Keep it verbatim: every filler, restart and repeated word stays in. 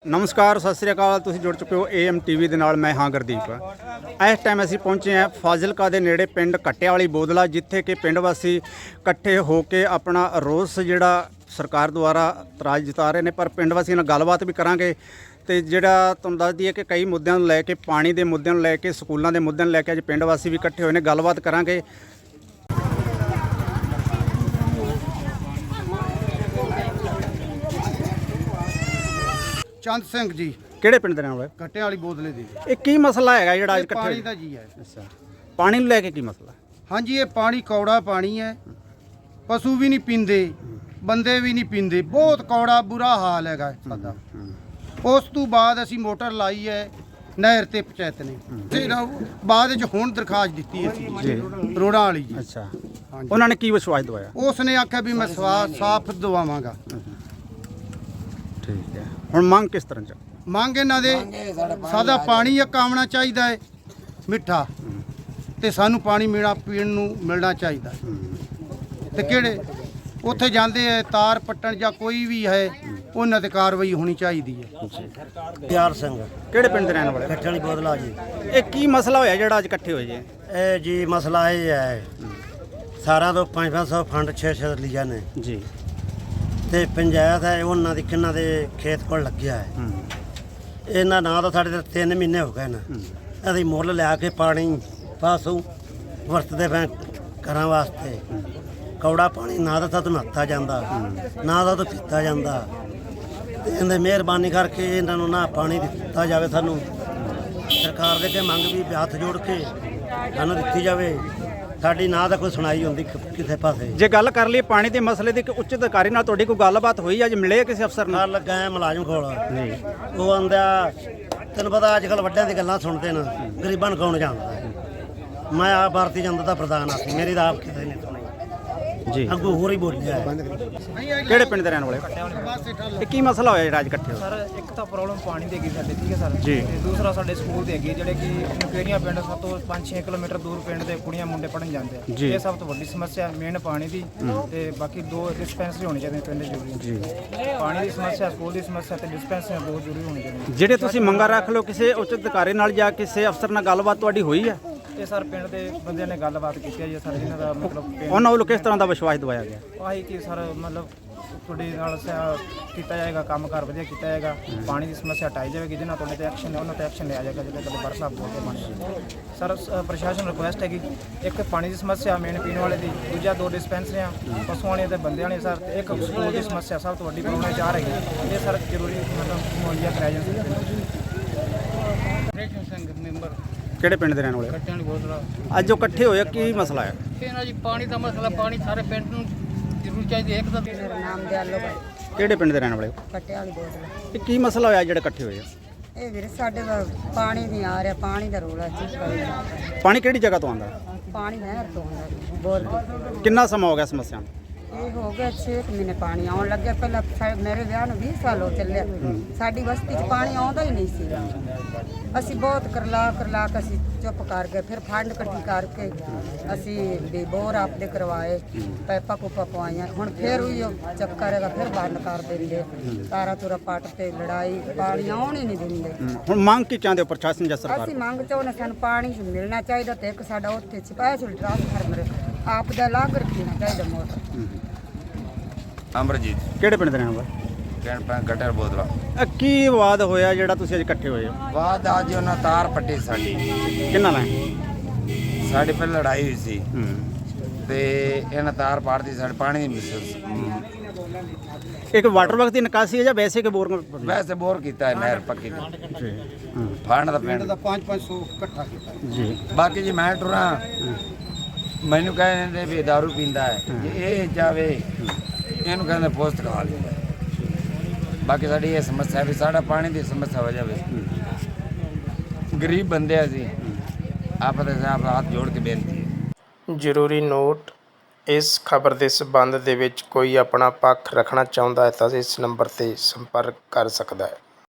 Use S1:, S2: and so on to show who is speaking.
S1: ਨਮਸਕਾਰ, ਸਤਿ ਸ੍ਰੀ ਅਕਾਲ। ਤੁਸੀਂ ਜੁੜ ਚੁੱਕੇ ਹੋ ਏ ਐਮ ਟੀ ਵੀ ਦੇ ਨਾਲ। ਮੈਂ ਹਾਂ ਗੁਰਦੀਪ। ਇਸ ਟਾਈਮ ਅਸੀਂ ਪਹੁੰਚੇ ਹਾਂ ਫਾਜ਼ਿਲਕਾ ਦੇ ਨੇੜੇ ਪਿੰਡ ਕੱਟਿਆਂ ਵਾਲੀ ਬੋਦਲਾ, ਜਿੱਥੇ ਕਿ ਪਿੰਡ ਵਾਸੀ ਇਕੱਠੇ ਹੋ ਕੇ ਆਪਣਾ ਰੋਸ ਜਿਹੜਾ ਸਰਕਾਰ ਦੁਆਰਾ ਇਤਰਾਜ਼ ਜਤਾ ਰਹੇ ਨੇ। ਪਰ ਪਿੰਡ ਵਾਸੀਆਂ ਨਾਲ ਗੱਲਬਾਤ ਵੀ ਕਰਾਂਗੇ ਤੇ ਜਿਹੜਾ ਤੁਹਾਨੂੰ ਦੱਸ ਦਈਏ ਕਿ ਕਈ ਮੁੱਦਿਆਂ ਨੂੰ ਲੈ ਕੇ, ਪਾਣੀ ਦੇ ਮੁੱਦਿਆਂ ਨੂੰ ਲੈ ਕੇ, ਸਕੂਲਾਂ ਦੇ ਮੁੱਦਿਆਂ ਨੂੰ ਲੈ ਕੇ ਅੱਜ ਪਿੰਡ ਵਾਸੀ ਵੀ ਇਕੱਠੇ ਹੋਏ ਨੇ। ਗੱਲਬਾਤ ਕਰਾਂਗੇ।
S2: ਚੰਦ ਸਿੰਘ ਜੀ,
S1: ਕਿਹੜੇ ਪਿੰਡ ਦੇ ਰਹਿਣ ਵਾਲੇ?
S2: ਕੱਟਿਆਂ ਵਾਲੀ ਬੋਦਲੇ ਦੀ।
S1: ਇਹ ਕੀ ਮਸਲਾ ਹੈਗਾ ਜਿਹੜਾ ਅੱਜ ਇਕੱਠੇ
S2: ਪਾਣੀ
S1: ਹੋਏ?
S2: ਦਾ ਜੀ ਹੈ।
S1: ਅੱਛਾ, ਪਾਣੀ ਨੂੰ ਲੈ ਕੇ ਕੀ ਮਸਲਾ?
S2: ਹਾਂਜੀ, ਇਹ ਪਾਣੀ ਕੌੜਾ ਪਾਣੀ ਹੈ। ਪਸ਼ੂ ਵੀ ਨਹੀਂ ਪੀਂਦੇ, ਬੰਦੇ ਵੀ ਨਹੀਂ ਪੀਂਦੇ। ਬਹੁਤ ਕੌੜਾ ਬੁਰਾ ਹਾਲ ਹੈਗਾ ਸਾਡਾ। ਉਸ ਤੋਂ ਬਾਅਦ ਅਸੀਂ ਮੋਟਰ ਲਾਈ ਹੈ ਨਹਿਰ ਤੇ ਪੰਚਾਇਤ ਨੇ, ਤੇ ਬਾਅਦ ਵਿੱਚ ਹੁਣ ਦਰਖਾਸਤ ਦਿੱਤੀ ਅਸੀਂ
S1: ਜੀ
S2: ਰੋੜਾਂ ਵਾਲੀ ਜੀ।
S1: ਅੱਛਾ,
S2: ਹਾਂਜੀ,
S1: ਉਹਨਾਂ ਨੇ ਕੀ ਵਿਸ਼ਵਾਸ ਦਵਾਇਆ?
S2: ਉਸ ਨੇ ਆਖਿਆ ਵੀ ਮੈਂ ਸਵਾ ਸਾਫ਼ ਦਵਾਵਾਂਗਾ।
S1: ਠੀਕ ਹੈ, ਹੁਣ ਮੰਗ ਕਿਸ ਤਰ੍ਹਾਂ ਚ?
S2: ਮੰਗ ਇਹਨਾਂ ਦੇ ਸਾਦਾ ਪਾਣੀ ਇੱਕ ਆਉਣਾ ਚਾਹੀਦਾ ਹੈ ਮਿੱਠਾ, ਤੇ ਸਾਨੂੰ ਪਾਣੀ ਮਿਲਣਾ ਪੀਣ ਨੂੰ ਮਿਲਣਾ ਚਾਹੀਦਾ। ਤੇ ਕਿਹੜੇ ਉੱਥੇ ਜਾਂਦੇ ਹੈ ਤਾਰ ਪੱਟਣ ਜਾਂ ਕੋਈ ਵੀ ਹੈ, ਉਹਨਾਂ ਤੇ ਕਾਰਵਾਈ ਹੋਣੀ ਚਾਹੀਦੀ ਹੈ।
S3: ਪਿਆਰ ਸਿੰਘ,
S1: ਕਿਹੜੇ ਪਿੰਡ ਦੇ ਰਹਿਣ ਵਾਲੇ?
S3: ਕੱਟਿਆਂ ਵਾਲੀ ਬੋਦਲਾ ਜੀ।
S1: ਇਹ ਕੀ ਮਸਲਾ ਹੋਇਆ ਜਿਹੜਾ ਅੱਜ ਇਕੱਠੇ ਹੋਏ ਜੀ?
S3: ਇਹ ਜੀ ਮਸਲਾ ਇਹ ਹੈ, ਸਾਰਾ ਤੋਂ ਪੰਜ ਪੰਜ ਸੌ ਫੰਡ ਛੇ ਛੇ ਲਿਆ ਨੇ
S1: ਜੀ, ਤੇ
S3: ਪੰਚਾਇਤ ਹੈ ਉਹਨਾਂ ਦੀ ਕਿੰਨਾ ਦੇ ਖੇਤ ਕੋਲ ਲੱਗਿਆ ਹੈ। ਇਹਨਾਂ ਨਾਂ ਤਾਂ ਸਾਡੇ ਤੇ ਤਿੰਨ ਮਹੀਨੇ ਹੋ ਗਏ ਨੇ। ਅਸੀਂ ਮੁੱਲ ਲਿਆ ਕੇ ਪਾਣੀ ਪਾਸੋਂ ਵਰਤਦੇ ਪਏ ਘਰਾਂ ਵਾਸਤੇ। ਕੌੜਾ ਪਾਣੀ ਨਾ ਤਾਂ ਤੁਹਾਨੂੰ ਨਹਾਤਾ ਜਾਂਦਾ, ਨਾ ਤਾਂ ਪੀਤਾ ਜਾਂਦਾ। ਤੇ ਇਹਦੇ ਮਿਹਰਬਾਨੀ ਕਰਕੇ ਇਹਨਾਂ ਨੂੰ ਨਾ ਪਾਣੀ ਦਿੱਤਾ ਜਾਵੇ। ਸਾਨੂੰ ਸਰਕਾਰ ਦੇ ਅੱਗੇ ਮੰਗ ਵੀ ਹੱਥ ਜੋੜ ਕੇ ਸਾਨੂੰ ਦਿੱਤੀ ਜਾਵੇ। ਸਾਡੀ ਨਾ ਤਾਂ ਕੋਈ ਸੁਣਾਈ ਹੁੰਦੀ ਕਿਸੇ ਪਾਸੇ।
S1: ਜੇ ਗੱਲ ਕਰ ਲਈ ਪਾਣੀ ਦੇ ਮਸਲੇ ਦੀ, ਕਿ ਉੱਚ ਅਧਿਕਾਰੀ ਨਾਲ ਤੁਹਾਡੀ ਕੋਈ ਗੱਲਬਾਤ ਹੋਈ? ਅੱਜ ਮਿਲੇ ਕਿਸੇ ਅਫਸਰ ਨਾਲ?
S3: ਨਾਲ ਲੱਗਾ ਹੈ ਮੁਲਾਜ਼ਮ ਕੋਲ ਜੀ। ਉਹ ਆਂਦਾ, ਤੈਨੂੰ ਪਤਾ ਅੱਜ ਕੱਲ੍ਹ ਵੱਡਿਆਂ ਦੀ ਗੱਲਾਂ ਸੁਣਦੇ ਨੇ, ਗਰੀਬਾਂ ਨੂੰ ਕੌਣ ਜਾਣਦਾ। ਮੈਂ ਆਪ ਭਾਰਤੀ ਜਨਤਾ ਦਾ ਪ੍ਰਧਾਨ ਆ, ਮੇਰੀ ਤਾਂ ਆਪ ਕਿਸੇ ਨੇ ਸੁਣੀ
S1: ਜੀ।
S3: ਅੱਗੋਂ ਹੋਰ ਹੀ ਬੋਲਿਆ ਹੈ।
S1: ਕਿਹੜੇ ਪਿੰਡ ਦੇ ਰਹਿਣ ਵਾਲੇ? ਇਹ ਕੀ ਮਸਲਾ ਹੋਇਆ ਜਿਹੜਾ ਅੱਜ ਇਕੱਠੇ ਹੋਏ?
S4: ਸਰ, ਇੱਕ ਤਾਂ ਪ੍ਰੋਬਲਮ ਪਾਣੀ ਦੀ ਹੈਗੀ ਸਾਡੇ, ਠੀਕ ਹੈ ਸਰ
S1: ਜੀ।
S4: ਤੇ ਦੂਸਰਾ ਸਾਡੇ ਸਕੂਲ ਦੇ ਹੈਗੇ ਜਿਹੜੇ ਕਿ ਨਕੇਰੀਆਂ ਪਿੰਡ ਸਭ ਤੋਂ ਪੰਜ ਛੇ ਕਿਲੋਮੀਟਰ ਦੂਰ ਪਿੰਡ ਦੇ ਕੁੜੀਆਂ ਮੁੰਡੇ ਪੜ੍ਹਨ ਜਾਂਦੇ ਆ।
S1: ਜੀ।
S4: ਇਹ ਸਭ ਤੋਂ ਵੱਡੀ ਸਮੱਸਿਆ ਮੇਨ ਪਾਣੀ ਦੀ। ਤੇ ਬਾਕੀ ਦੋ ਡਿਸਪੈਂਸਰੀ ਹੋਣੀ ਚਾਹੀਦੀ ਪਿੰਡ ਜ਼ਰੂਰੀ
S1: ਜੀ।
S4: ਪਾਣੀ ਦੀ ਸਮੱਸਿਆ, ਸਕੂਲ ਦੀ ਸਮੱਸਿਆ ਤੇ ਡਿਸਪੈਂਸਰੀ ਬਹੁਤ ਜ਼ਰੂਰੀ ਹੋਣੀ ਚਾਹੀਦੀ।
S1: ਜਿਹੜੇ ਤੁਸੀਂ ਮੰਗਾਂ ਰੱਖ ਲਓ, ਕਿਸੇ ਉੱਚ ਅਧਿਕਾਰੀ ਨਾਲ ਜਾਂ ਕਿਸੇ ਅਫਸਰ ਨਾਲ ਗੱਲਬਾਤ ਤੁਹਾਡੀ ਹੋਈ ਹੈ?
S4: ਇਹ ਸਰ ਪਿੰਡ ਦੇ ਬੰਦਿਆਂ ਨੇ ਗੱਲਬਾਤ ਕੀਤੀ ਹੈ ਜੀ ਸਰ, ਇਹਨਾਂ ਦਾ ਮਤਲਬ ਪਿੰਡ-
S1: ਉਹਨਾਂ ਵੱਲੋਂ ਕਿਸ ਤਰ੍ਹਾਂ ਦਾ ਵਿਸ਼ਵਾਸ ਦਵਾਇਆ ਗਿਆ?
S4: ਆਹੀ ਕਿ ਸਰ ਮਤਲਬ ਤੁਹਾਡੇ ਨਾਲ ਸ- ਕੀਤਾ ਜਾਏਗਾ, ਕੰਮ ਕਾਰ ਵਧੀਆ ਕੀਤਾ ਜਾਏਗਾ, ਪਾਣੀ ਦੀ ਸਮੱਸਿਆ ਹਟਾਈ ਜਾਵੇਗੀ। ਜਿਹਨਾਂ ਤੁਹਾਡੇ ਤੇ ਐਕਸ਼ਨ ਹੈ ਉਹਨਾਂ ਤੇ ਐਕਸ਼ਨ ਲਿਆ ਜਾਏਗਾ, ਜਿਹੜੇ ਕਦੇ ਬਰਸਾਤ ਬੋਲਦੇ ਪਾਣੀ। ਸਰ ਸ- ਪ੍ਰਸ਼ਾਸਨ ਰਿਕੁਐਸਟ ਹੈਗੀ, ਇੱਕ ਪਾਣੀ ਦੀ ਸਮੱਸਿਆ ਮੇਨ ਪੀਣ ਵਾਲੇ ਦੀ, ਦੂਜਾ ਦੋ ਡਿਸਪੈਂਸਰੀਆਂ ਪਸ਼ੂਆਂ ਵਾਲੀਆਂ ਤੇ ਬੰਦਿਆਂ ਵਾਲੀਆਂ ਸਰ, ਤੇ ਇੱਕ ਸਕੂਲ ਦੀ ਸਮੱਸਿਆ ਸਭ ਤੋਂ ਵੱਡੀ ਪ੍ਰੋਬਲਮ ਚਾਹ ਰਹੀ ਹੈ। ਇਹ ਸਰ ਜ਼ਰੂਰੀ ਮਤਲਬ ਮੁਹੱਈਆ ਕਰਾਇਆ ਜਾਂਦਾ।
S5: ਸਿੰਘ ਮੈਂਬਰ
S1: ਕਿਹੜੇ ਪਿੰਡ ਦੇ ਰਹਿਣ ਵਾਲੇ?
S5: ਕੱਟਿਆਂ ਵਾਲੀ ਬੋਤਲ।
S1: ਅੱਜ ਜੋ ਇਕੱਠੇ ਹੋਏ, ਕੀ ਮਸਲਾ ਹੈ?
S5: ਇਹਨਾਂ ਜੀ ਪਾਣੀ ਦਾ ਮਸਲਾ, ਪਾਣੀ ਸਾਰੇ ਪਿੰਡ ਨੂੰ ਜ਼ਰੂਰ ਚਾਹੀਦੀ ਹੈ। ਇੱਕ ਤਾਂ
S6: ਮੇਰਾ ਨਾਮ ਦਿਆਲੋ ਬਾਈ,
S1: ਕਿਹੜੇ ਪਿੰਡ ਦੇ ਰਹਿਣ ਵਾਲੇ?
S6: ਕੱਟਿਆਂ ਵਾਲੀ ਬੋਤਲ।
S1: ਇਹ ਕੀ ਮਸਲਾ ਹੋਇਆ ਜਿਹੜਾ ਇਕੱਠੇ ਹੋਏ ਆ?
S6: ਇਹ ਵੀਰੇ ਸਾਡੇ ਦਾ ਪਾਣੀ ਨਹੀਂ ਆ ਰਿਹਾ, ਪਾਣੀ ਦਾ ਰੋਲਾ ਚੀਜ਼ ਕਰ।
S1: ਪਾਣੀ ਕਿਹੜੀ ਜਗ੍ਹਾ ਤੋਂ ਆਉਂਦਾ?
S6: ਪਾਣੀ ਨਹਿਰ ਤੋਂ ਆਉਂਦਾ ਬੋਰ ਤੋਂ।
S1: ਕਿੰਨਾ ਸਮਾਂ ਹੋ ਗਿਆ ਸਮੱਸਿਆ ਨੂੰ?
S6: ਇਹ ਹੋ ਗਿਆ ਛੇ ਕੁ ਮਹੀਨੇ ਪਾਣੀ ਆਉਣ ਲੱਗਿਆ। ਪਹਿਲਾਂ ਸਾ- ਮੇਰੇ ਵਿਆਹ ਨੂੰ ਵੀਹ ਸਾਲ ਹੋ ਚੱਲਿਆ, ਸਾਡੀ ਬਸਤੀ 'ਚ ਪਾਣੀ ਆਉਂਦਾ ਹੀ ਨਹੀਂ ਸੀ। ਅਸੀਂ ਬਹੁਤ ਕਰਲਾ ਕਰਲਾ ਕੇ ਅਸੀਂ ਚੁੱਪ ਕਰ ਗਏ। ਫਿਰ ਫੰਡ ਇਕੱਠੀ ਕਰਕੇ ਅਸੀਂ ਵੀ ਬੋਰ ਆਪਦੇ ਕਰਵਾਏ, ਪੈਪਾ ਪੂਪਾ ਪਵਾਈਆਂ। ਹੁਣ ਫਿਰ ਉਹੀ ਉਹ ਚੱਕਰ ਹੈਗਾ, ਫਿਰ ਬੰਦ ਕਰ ਦਿੰਦੇ। ਤਾਰਾ ਤੁਰਾ ਪੱਟ ਤੇ ਲੜਾਈ, ਪਾਣੀ ਆਉਣ ਹੀ ਨਹੀਂ ਦਿੰਦੇ।
S1: ਹੁਣ ਮੰਗ ਕੀ ਚਾਹੁੰਦੇ ਹੋ ਪ੍ਰਸ਼ਾਸਨ ਜਾਂ ਸਰਕਾਰ?
S6: ਅਸੀਂ ਮੰਗ ਚਾਹੁੰਦੇ ਸਾਨੂੰ ਪਾਣੀ ਮਿਲਣਾ ਚਾਹੀਦਾ, ਤੇ ਇੱਕ ਸਾਡਾ ਉੱਥੇ ਸਪੈਸ਼ਲ ਟ੍ਰਾਂਸਫਾਰਮਰ ਆਪ ਦਾ ਲਾਗ ਰੱਖਣਾ ਚਾਹੀਦਾ ਮੋਟਰ।
S7: ਅਮਰਜੀਤ,
S1: ਕਿਹੜੇ ਪਿੰਡ ਦੇ ਰਹਿਣ ਵਾਲੇ?
S7: ਕਹਿਣ ਪੈ ਕੱਟਿਆਂ ਬੋਦਲਾ।
S1: ਇਹ ਕੀ ਵਿਵਾਦ ਹੋਇਆ ਜਿਹੜਾ ਤੁਸੀਂ ਅੱਜ ਇਕੱਠੇ ਹੋਏ ਹੋ?
S7: ਬਾਅਦ ਅੱਜ ਉਹਨਾਂ ਤਾਰ ਪੱਟੀ ਸਾਡੀ,
S1: ਕਿੰਨਾ ਨਾਲ?
S7: ਸਾਡੇ ਪਹਿਲਾਂ ਲੜਾਈ ਹੋਈ ਸੀ
S1: ਹੂੰ।
S7: ਤੇ ਇਹਨਾਂ ਤਾਰ ਪਾੜਦੀ ਸਾਡੇ ਪਾਣੀ ਦੀ ਮਿਸ
S1: ਇੱਕ ਵਾਟਰ ਵਰਕ ਦੀ ਨਿਕਾਸੀ ਹੈ ਜਾਂ ਵੈਸੇ ਕਿ ਬੋਰ?
S7: ਵੈਸੇ ਬੋਰ ਕੀਤਾ ਹੈ, ਨਹਿਰ ਪੱਕੀ ਦੀ।
S1: ਜੀ। ਹੂੰ।
S7: ਫੰਡ ਦਾ
S2: ਪਿੰਡ
S7: ਪਿੰਡ
S2: ਦਾ ਪੰਜ ਪੰਜ ਸੌ ਇਕੱਠਾ ਕੀਤਾ।
S1: ਜੀ।
S7: ਬਾਕੀ ਜੀ ਮੈਂ ਟੁਰਾਂ ਮੈਨੂੰ ਕਹਿੰਦੇ ਵੀ ਦਾਰੂ ਪੀਂਦਾ ਹੈ, ਜੇ ਇਹ ਜਾਵੇ ਇਹਨੂੰ ਕਹਿੰਦੇ ਪੋਸਟ ਖਾ ਲੈਂਦਾ। ਬਾਕੀ ਸਾਡੀ ਇਹ ਸਮੱਸਿਆ ਵੀ ਸਾਡਾ ਪਾਣੀ ਦੀ ਸਮੱਸਿਆ ਹੋ ਜਾਵੇ। ਗਰੀਬ ਬੰਦੇ ਅਸੀਂ ਆਪ ਦੇ ਸਾਹਬ ਹੱਥ ਜੋੜ ਕੇ ਬੇਨਤੀ ਹੈ।
S8: ਜ਼ਰੂਰੀ ਨੋਟ, ਇਸ ਖਬਰ ਦੇ ਸਬੰਧ ਦੇ ਵਿੱਚ ਕੋਈ ਆਪਣਾ ਪੱਖ ਰੱਖਣਾ ਚਾਹੁੰਦਾ ਹੈ ਤਾਂ ਇਸ ਨੰਬਰ 'ਤੇ ਸੰਪਰਕ ਕਰ ਸਕਦਾ ਹੈ।